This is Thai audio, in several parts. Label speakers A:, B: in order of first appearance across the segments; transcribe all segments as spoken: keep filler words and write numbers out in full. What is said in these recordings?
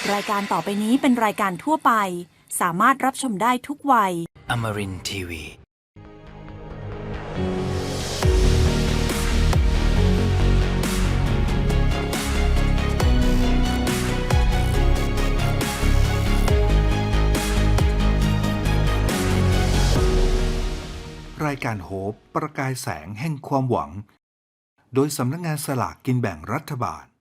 A: รายการต่อไปนี้เป็นรายการทั่วไปสามารถรับชมได้ทุกวัย
B: Amarin ที วี
C: รายการโฮปประกายแสงแห่งความหวังโดยสำนักงานสลากกินแบ่งรัฐบาล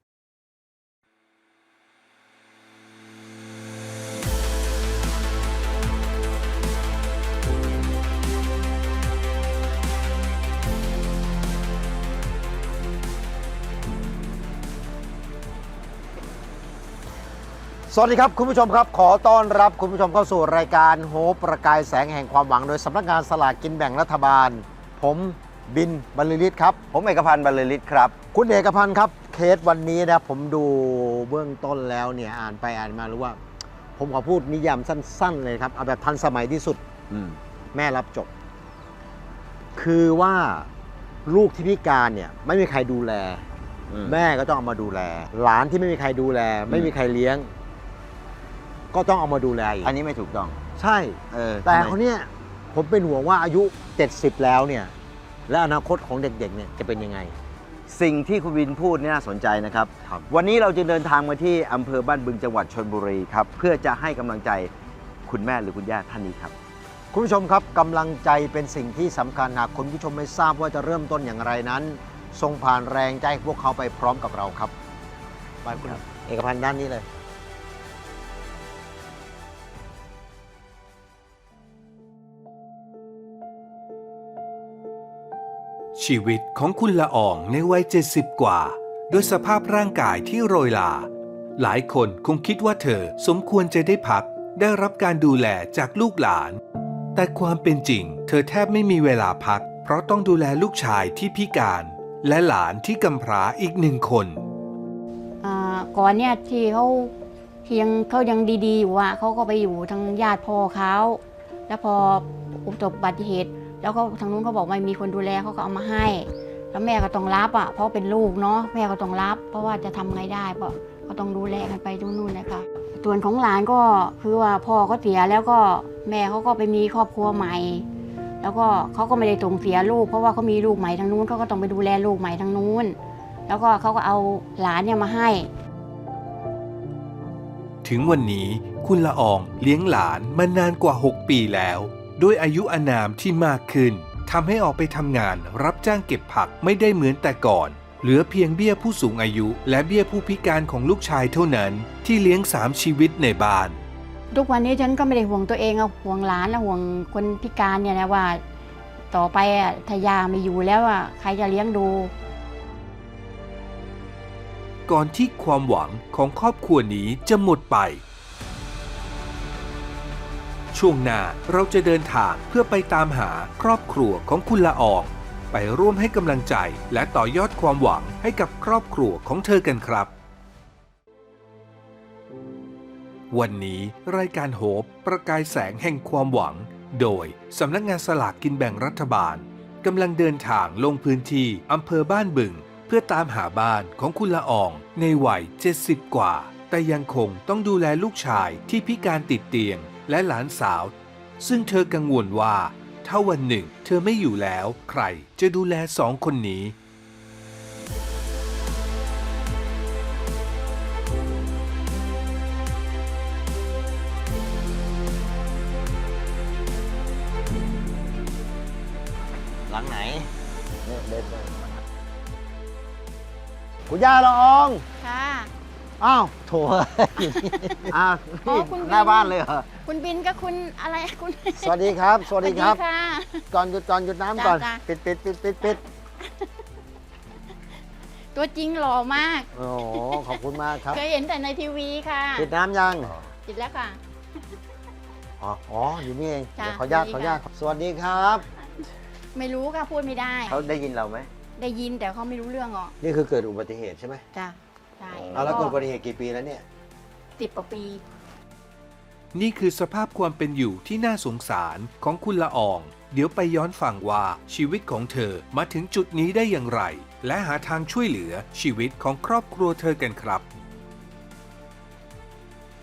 D: สวัสดีครับคุณผู้ชมครับขอต้อนรับคุณผู้ชมเข้าสู่รายการโฮปประกายแสงแห่งความหวังโดยสำนักงานสลากกินแบ่งรัฐบาลผมบินบรรลือฤทธิ์ครับ
E: ผมเอกพันธ์บรรลือฤทธิ์ครับ
D: คุณเอกพันธ์ครับเคสวันนี้นะผมดูเบื้องต้นแล้วเนี่ยอ่านไปอ่านมารู้ว่า ผมขอพูดนิยามสั้นๆเลยครับเอาแบบทันสมัยที่สุดแม่รับจบคือว่าลูกที่พิการเนี่ยไม่มีใครดูแลแม่ก็ต้องเอามาดูแลหลานที่ไม่มีใครดูแลไม่มีใครเลี้ยงก็ต้องเอามาดูแลอีก
E: อันนี้ไม่ถูกต้อง
D: ใช่เออแต่เขาเนี่ยผมเป็นห่วงว่าอายุเจ็ดสิบแล้วเนี่ยและอนาคตของเด็กๆเนี่ยจะเป็นยังไง
E: สิ่งที่คุณวินพูดนี่น่าสนใจนะครับวันนี้เราจะเดินทางมาที่อำเภอบ้านบึงจังหวัดชลบุรีครับเพื่อจะให้กำลังใจคุณแม่หรือคุณย่าท่านนี้ครับ
D: คุณผู้ชมครับกำลังใจเป็นสิ่งที่สำคัญหากคุณผู้ชมไม่ทราบว่าจะเริ่มต้นอย่างไรนั้นส่งผ่านแรงใจพวกเขาไปพร้อมกับเราครับไปคุณเอกพันธ์ด้านนี้เลย
C: ชีวิตของคุณละอองในวัยเจ็ดสิบกว่าด้วยสภาพร่างกายที่โรยลาหลายคนคงคิดว่าเธอสมควรจะได้พักได้รับการดูแลจากลูกหลานแต่ความเป็นจริงเธอแทบไม่มีเวลาพักเพราะต้องดูแลลูกชายที่พิการและหลานที่กำพร้าอีกหนึ่งคน
F: ก่อนเนี่ยที่เขาที่ยังเขายังดีๆอยู่อ่ะเขาก็ไปอยู่ทางญาติพ่อเขาแล้วพออุบัติเหตุแล้วก็ทางนู้นเขาบอกไม่มีคนดูแลเขาก็เอามาให้แล้วแม่ก็ต้องรับอ่ะเพราะเป็นลูกเนาะแม่ก็ต้องรับเพราะว่าจะทำไงได้เพราะก็ต้องดูแลกันไปตรงนู้นนะคะส่วนของหลานก็คือว่าพ่อเขาเสียแล้วก็แม่เขาก็ไปมีครอบครัวใหม่แล้วก็เขาก็ไม่ได้ส่งเสียลูกเพราะว่าเขามีลูกใหม่ทางนู้นเขาก็ต้องไปดูแลลูกใหม่ทางนู้นแล้วก็เขาก็เอาหลานเนี่ยมาให้
C: ถึงวันนี้คุณละอองเลี้ยงหลานมานานกว่าหกปีแล้วด้วยอายุอานามที่มากขึ้นทำให้ออกไปทำงานรับจ้างเก็บผักไม่ได้เหมือนแต่ก่อนเหลือเพียงเบี้ยผู้สูงอายุและเบี้ยผู้พิการของลูกชายเท่านั้นที่เลี้ยงสามชีวิตในบ้าน
F: ทุกวันนี้ฉันก็ไม่ได้ห่วงตัวเองอะห่วงหลานและห่วงคนพิการเนี่ยนะว่าต่อไปอะถ้ายาไม่อยู่แล้วอะใครจะเลี้ยงดู
C: ก่อนที่ความหวังของครอบครัวนี้จะหมดไปช่วงหน้าเราจะเดินทางเพื่อไปตามหาครอบครัวของคุณละอองไปร่วมให้กำลังใจและต่อยอดความหวังให้กับครอบครัวของเธอกันครับวันนี้รายการโฮปประกายแสงแห่งความหวังโดยสำนักงานสลากกินแบ่งรัฐบาลกำลังเดินทางลงพื้นที่อำเภอบ้านบึงเพื่อตามหาบ้านของคุณละอองในวัยเจ็ดสิบกว่าแต่ยังคงต้องดูแลลูกชายที่พิการติดเตียงและหลานสาวซึ่งเธอกังวลว่าถ้าวันหนึ่งเธอไม่อยู่แล้วใครจะดูแลสองคนนี้
D: หลังไหนเนี่ยเด็ดเลยคุณย่าละออง
F: ค่ะ
D: อ้าวโถอ้าวหน้าบ้านเลยเหรอ
F: คุณบินก็คุณอะไรคุณ
D: สวัสดีครับสวัสดีครับ
F: ค่ะ
D: ก่อนหยุดก่อนหยุดน้ำก่อนปิดปิดปิดปิดปิด
F: ตัวจริงหล่อมาก
D: โอ้ขอบคุณมากครับ
F: เคยเห็นแต่ในทีวีค่ะ
D: ปิดน้ำยัง
F: ปิดแล้วค่ะ
D: อ๋ออ๋ออยู่นี่เองขออนุญาตขออนุญาตสวัสดีครับ
F: ไม่รู้ค่ะพูดไม่ได้
E: เขาได้ยินเราไหม
F: ได้ยินแต่เขาไม่รู้เรื่องหรอก
D: นี่คือเกิดอุบัติเหตุใช่ไหม
F: จ้ะใช่
D: เอาแล้วเกิดอุบัติเหตุกี่ปีแล้วเนี่ย
F: สิบกว่าปี
C: นี่คือสภาพความเป็นอยู่ที่น่าสงสารของคุณละอองเดี๋ยวไปย้อนฟังว่าชีวิตของเธอมาถึงจุดนี้ได้อย่างไรและหาทางช่วยเหลือชีวิตของครอบครัวเธอกันครับ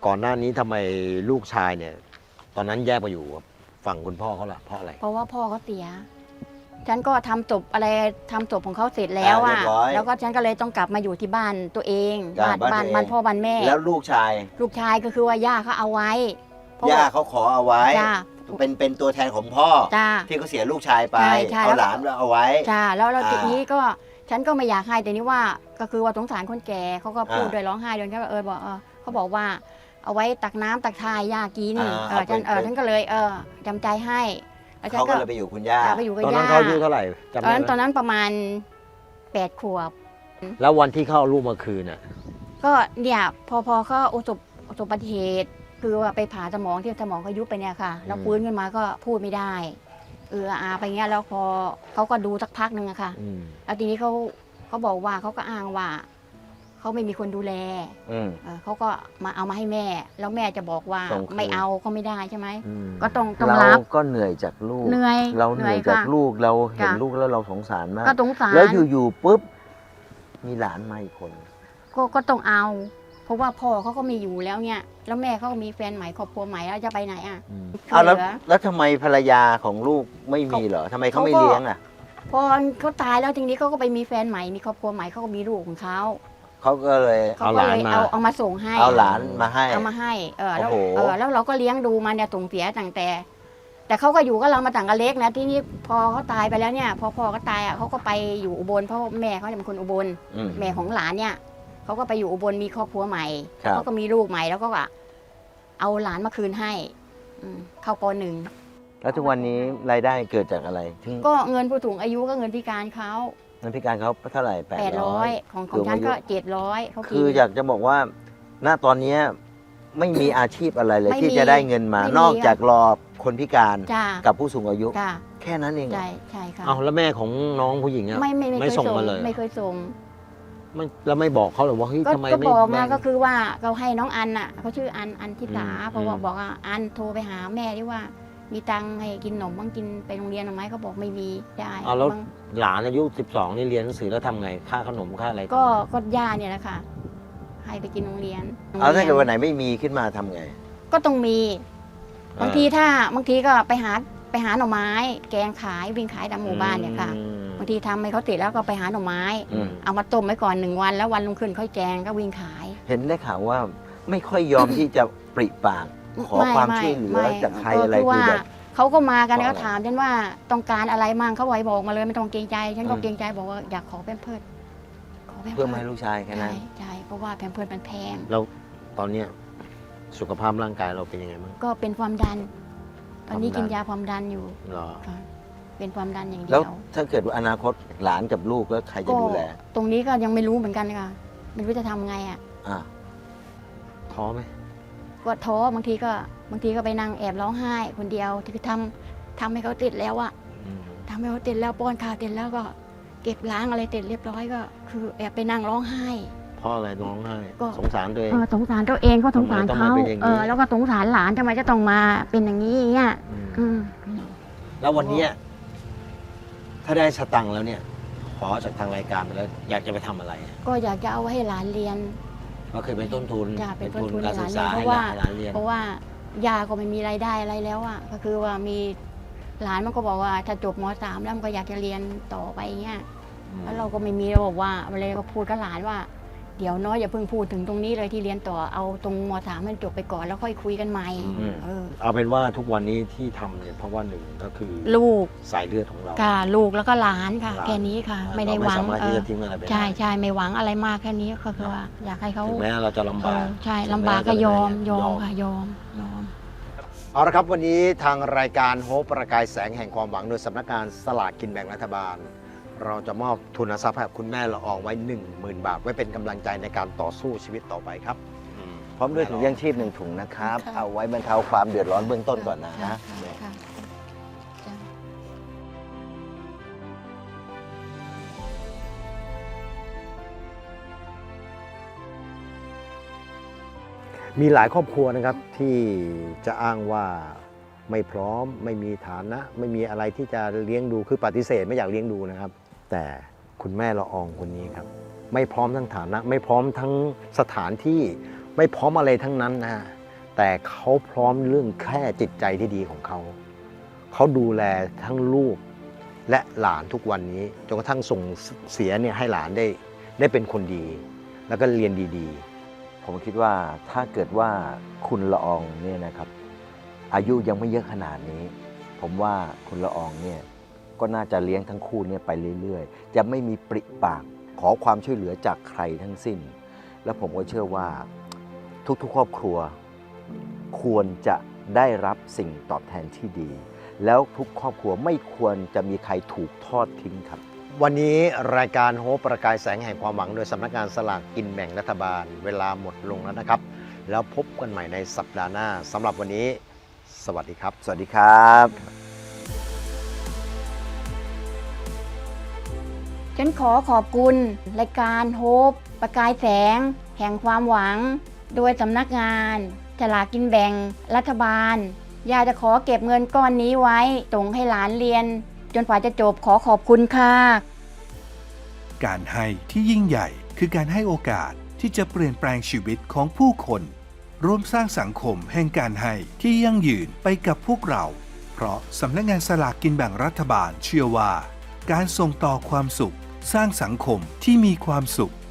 D: ก่อนหน้านี้ทำไมลูกชายเนี่ย ตอนนั้นแยกไปอยู่กับฝั่งคุณพ่อเขาล่ะเพราะอะไร
F: เพราะว่าพ่อเขาเสีย ฉันก็ทำจบอะไรทำจบของเขาเสร็จแล้ว
E: อ่า
F: อ่ะ
E: เรียบร้อย
F: แล้วก็ฉันก็เลยต้องกลับมาอยู่ที่บ้านตัวเอง
E: จ้ะ
F: บ้าน
E: บ้านตัวเอง
F: บ้านบ้านพ่อบ้านแม่
E: แล้วลูกชาย
F: ลูกชายก็คือว่าย่าเขาเอาไว้เพระ
E: ย่า
F: ว่
E: เขาขอเอาไว้
F: จ้า
E: เป็นเป็นตัวแทนของพ่อ
F: จ้า
E: ที่เขาเสียลูกชายไป
F: ใช่ใช่
E: เอา
F: แล้ว
E: หลานเอาไว้
F: จ้าแล้วแล้ว
E: อ่า
F: ทีนี้ก็ฉันก็ไม่อยากให้แต่นี่ว่าก็คือว่าสงสารคนแก่เขาก็พูด
E: อ่า
F: ด้วยร้องไห้ด้วยก็เออบอกเออเขาบอกว่าเอาไว้ตักน้ำตักทายย่ากิน
E: อ่า
F: เออฉัน
E: เอาไป
F: เออฉันก็เลยเออจำใจให้แล้วฉัน
E: เขา
F: ก็
E: ก็เลยไปอยู่คุณย่า
F: เอาไปอยู่กับ
D: ตอนนั้
F: ย่าน
D: เขาอายุเท่าไหร่จำ
F: ตอน
D: ได้
F: นั้น
D: ไห
F: ตอ
D: ม
F: นนั้นประมาณแปดขวบ
D: แล้ววันที่เขาเอาลูกมาคืนน่ะ
F: ก็เนี่ยพอพอเขาอุบัติอุบัติเหตุคือว่าไปผ่าสมองที่สมองเขายุบไปเนี่ยค่ะแล้ว
D: อืม
F: ฟื้นขึ้นมาก็พูดไม่ได้เอออาไปเงี้ยแล้วพอเขาก็ดูสักพักหนึ่งอะค่ะ
D: อืม
F: แล้วทีนี้เขาเขาบอกว่าเขาก็อ้างว่าเขาไม่มีคนดูแล
E: อืม
F: เออเขาก็มาเอามาให้แม่ แล้วแม่จะบอกว่า
E: ส่งคืน
F: ไม่เอาก็ไม่ได้ใช่ไหม
D: อืม
F: ก็ต้องต้อง
E: เรา
F: รับ
E: ก็เหนื่อยจากลูก
F: เหนื่อย
E: เราเหนื่อยจาก
F: ค่ะ
E: ลูกเราเห็น
F: จ้ะ
E: ลูกแล้วเราสงสารมาก
F: ก็สงสาร
E: แล้วอยู่ๆปุ๊บมีหลานมาอีกคน
F: ก็ก็ต้องเอา เพราะว่าพ่อเขาก็มีอยู่แล้วเนี่ยแล้วแม่เขาก็มีแฟนใหม่ครอบครัวใหม่แล้วจะไปไหนอ่ะ
D: อืม
E: เอาแล้ว
F: เหลือ
E: แล้วทำไมภรรยาของลูกไม่มีเหรอทำไมเขาไม่
F: เขาก็
E: เลี้ยงอ่ะ
F: พอเขาตายแล้วทีนี้เขาก็ไปมีแฟนใหม่มีครอบครัวใหม่เขาก็มีลูกของเขา
E: เขาก็เลย
F: เขาก็เลยเอาเอามาส่งให้
E: เอาหลานมาให้
F: เอามาให้เออแล้ว
E: โอ้โห
F: เออแล้วเราก็เลี้ยงดูมาเนี่ยส่งเสียตั้งแต่ แต่เขาก็อยู่กับเรามาต่างกันเล็กนะที่นี่พอเขาตายไปแล้วเนี่ยพอพ่อเขาตายอ่ะเขาก็ไปอยู่อุบลเพราะแม่เขาเนี่ยเป็นคนอุบล
E: อืม
F: แม่ของหลานเนี่ยเขาก็ไปอยู่อุบลมีครอบครัวใหม่
E: ครับ
F: เขาก็มีลูกใหม่แล้วก็ว่าเอาหลานมาคืนให้อืมเข้าปหนึ่ง
E: แล้วทุกวันนี้รายได้เกิดจากอะไรถึง
F: ก็เงินผู้สูงอายุก็เงินพิการเขา
E: เงินพิการเขาเท่าไหร่แปด
F: แปด
E: ร้
F: ร้
E: อ
F: อย ยของของฉันก็เจ็ดร้อยเขากิน
E: คืออยากจะบอกว่า ณตอนเนี้ยไม่มีอาชีพอะไรเลย
F: ไม่มี
E: ที่จะได้เงินมา
F: ไม่มี
E: นอกจากรอคนพิการ
F: จ้า
E: กับผู้สูงอายุ
F: จ้า
E: แค่นั้นเองเหรอ
F: ใช่ใช่ค่ะ
D: เอาแล้วแม่ของน้องผู้หญิงอ่ะ
F: ไม่ไม่ไม่
D: ไม่
F: เคย
D: ส่ง
F: ส่ง
D: มาเลยเหรอ
F: ไม่เคยส่ง
D: ไม่แล้วไม่บอกเขาหรอว่าเฮ้ย
F: ก็
D: ทำไม
F: ก็
D: ไม่
F: บอก
D: แบ่
F: นะ
D: ง
F: ก็คือว่าเราให้น้องอันน่ะเขาชื่ออันอันทิสา
D: อืม
F: เพราะว่า
D: อืม
F: บอกว่าอันโทรไปหาแม่ที่ว่า มีตังค์ให้กินขนมบ้างกินไปโรงเรียนหรือไหมเขาบอกไม่มีได้
D: เอาแล้ว
F: บ้าง
D: หลานอายุสิบสองนี่เรียนหนังสือแล้วทำไงค่าขนมค่าอะไร
F: ก็ก็ย่าเนี่ยแหละค่ะ ให้ไปกินโรงเรียน
E: เอาถ้าเกิดวัน
F: โรงรีย
E: ไหนไม่มีขึ้นมาทำไง
F: ก็ต้องมี
E: อ่า
F: บางทีถ้าบางทีก็ไปหาไปหาหน่อไม้ แกงขายวิ่งขายตามหมู่บ้านเนี่ยค่ะ
D: อืม
F: บางทีทำให้เขาเสร็จแล้วก็ไปหาหน่อไม้
E: อืม
F: เอามาต้มไว้ก่อนหนึ่งวันแล้ววันรุ่งขึ้นค่อยแกงก็วิ่งขาย
E: เห็นได้ข่าวว่าไม่ค่อยยอมที่จะปริปาก ขอ
F: ไม่
E: ความ
F: ไม่
E: ช่วยเหลือ
F: ไม่
E: จากใคร
F: ก็
E: อะไร
F: คือ
E: คือ
F: ว่า
E: แบบ
F: เขาก็มากัน
E: บอก
F: ก็
E: อะไร
F: ถามฉันว่าต้องการอะไรมั่งเขาไว้บอกมาเลยไม่ต้องเกรงใจ ฉันก็
E: อืม
F: เกรงใจบอกว่าอยากขอแพมเพิร์สขอแพม
E: เพื่อ
F: เพิ
E: มา
F: ร์
E: ให้
F: ส
E: ลูกชายแค่
F: ใช่
E: นั้น
F: ใช่เพราะว่าแพมเพิร์สมันแพง
D: แล้วตอนเนี้ยสุขภาพร่างกายเราเป็นยังไงบ้าง
F: ก็เป็นความดัน ตอนนี้
E: ความดัน
F: กินยาความดันอยู่
D: เหรอ
F: ค่ะเป็นความดันอย่างเดี
E: แล้ว
F: ยว
E: ถ้าเกิดว่าอนาคตหลานกับลูกแล้วใครจะ
F: ก็
E: ดูแล
F: ตรงนี้ก็ยังไม่รู้เหมือนกันค่ะไม่รู้จะทำไงอ่ะ
E: อ่ะ
D: ท้อไหม
F: ก็ท้อบางทีก็บางทีก็ไปนั่งแอบร้องไห้ คนเดียวที่ทำทำให้เขาติดแล้วอะ
D: อืม
F: ทำให้เขาติดแล้วป้อนข้าวติดแล้วก็เก็บล้างอะไรติดเรียบร้อยก็ คือแอบไปนั่งร้องไห้
D: เพราะอะไรร้องไห้
F: ก็
D: สงสารตัวเอง
F: เออสงสารตัวเองก็สงสาร
D: ทำไมต้อง
F: เขา
D: มาเป็นอย่างนี้
F: เออแล้วก็สงสารหลานทำไมจะต้องมาเป็นอย่างนี้อย่างเงี้ย
D: ม
F: อืม
D: แล้ววันเนี้ยถ้าได้สตังค์แล้วเนี่ย ขอจากทางรายการไปแล้ว อยากจะไปทำอะไรอะ
F: ก็อยากจะเอาไว้ให้หลานเรียน
D: ก็คือเป็นต้นทุน
F: จ้ะเป็นต้นทุน
D: การศึกษา
F: ให้
D: ให้
F: ห
D: ห
F: ลา
D: ลาน น
F: เรียน
D: ให้หลานเรียน
F: เพราะว่ายาก็ไม่มีรายได้อะไรแล้วอะก็คือว่ามีหลานมันก็บอกว่าถ้าจบมสามแล้วมันก็อยากจะเรียนต่อไปเงี้ย แล้วเราก็ไม่มีเราบอกว่าเลยก็พูดกับหลานว่า เดี๋ยวน้อยอย่าเพิ่งพูดถึงตรงนี้เลยที่เรียนต่อเอาตรงมสามให้จบไปก่อนแล้วค่อยคุยกันใหม่
D: อืม
F: เออ
D: เอาเป็นว่าทุกวันนี้ที่ทำเนี่ยเพราะว่าหนึ่งก็คือ
F: ลูก
D: สายเลือดของเรา
F: ค่ะลูกแล้วก็หลานค่ะ
D: หลาน
F: แค่นี้ค่ะ
D: เรา
F: ไม่ได้หวัง
D: ไม่สามารถ
F: เอ
D: ที่
F: อ
D: จะทิ้งอะไรไปได้
F: ใช่ใช่ไม่หวังอะไรมากแค่นี้ก็คือว่า อยากให้เขา
D: ถึงแม้เราจะลำบาก
F: เออใช่
D: ถึง
F: ลำบาก
D: แม้
F: ก็
D: จะ
F: ยอม
D: เห
F: ย
D: นื่
F: อมค่ะยอมยอม
D: เอาละครับวันนี้ทางรายการโฮปประกายแสงแห่งความหวังโดยสำนักงานสลากกินแบ่งรัฐบาล เราจะมอบทุนทรัพย์ให้กับคุณแม่ละอองไว้ หนึ่งหมื่น บาท ไว้เป็นกำลังใจในการต่อสู้ชีวิตต่อไปครับ
E: พร้อมด้วยถุงยังชีพหนึ่งถุงนะครับ
F: ค่ะ
E: เอาไว้บรรเทาความเดือดร้อนเบื้องต้นก่อนนะ
F: ค่ะค่ะจ้ะ
D: มีหลายครอบครัวนะครับที่จะอ้างว่าไม่พร้อมไม่มีฐานะ ไม่มีอะไรที่จะเลี้ยงดูคือปฏิเสธไม่อยากเลี้ยงดูนะครับ แต่คุณแม่ละอองคนนี้ครับ ไม่พร้อมทั้งฐานะ ไม่พร้อมทั้งสถานที่ไม่พร้อมอะไรทั้งนั้นนะฮะแต่เขาพร้อมเรื่องแค่จิตใจที่ดีของเขา เขาดูแลทั้งลูกและหลานทุกวันนี้จนกระทั่งส่งเสียเนี่ยให้หลานได้ได้เป็นคนดี แล้วก็เรียนดีๆ
E: ผมคิดว่าถ้าเกิดว่าคุณละอองเนี่ยนะครับ อายุยังไม่เยอะขนาดนี้ ผมว่าคุณละอองเนี่ยก็น่าจะเลี้ยงทั้งคู่เนี่ยไปเรื่อยๆ จะไม่มีปริปากขอความช่วยเหลือจากใครทั้งสิ้น แล้วผมก็เชื่อว่าทุกๆครอบครัวควรจะได้รับสิ่งตอบแทนที่ดี แล้วทุกครอบครัวไม่ควรจะมีใครถูกทอดทิ้งครับ
D: วันนี้รายการโฮปประกายแสงแห่งความหวังโดยสำนักงานสลากกินแบ่งรัฐบาลเวลาหมดลงแล้วนะครับ แล้วพบกันใหม่ในสัปดาห์หน้าสำหรับวันนี้ สวัสดีครับ
E: สวัสดีครับ
F: ฉันขอขอบคุณรายการโฮปประกายแสง แห่งความหวัง โดยสำนักงานสลากกินแบ่งรัฐบาลอยากจะขอเก็บเงินก้อนนี้ไว้ส่งให้หลานเรียน จนกว่าจะจบขอขอบคุณค่ะ
C: การให้ที่ยิ่งใหญ่คือการให้โอกาสที่จะเปลี่ยนแปลงชีวิตของผู้คนร่วมสร้างสังคมแห่งการให้ที่ยั่งยืนไปกับพวกเรา เพราะสำนักงานสลากกินแบ่งรัฐบาลเชื่อว่า การส่งต่อความสุขสร้างสังคมที่มีความสุข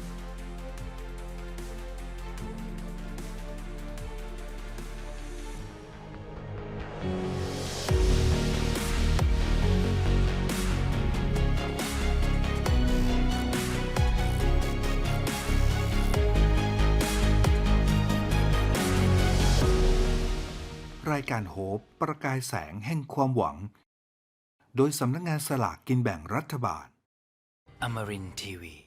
C: รายการโฮปประกายแสงแห่งความหวัง โดยสำนักงานสลากกินแบ่งรัฐบาล
B: Amarin Tiwi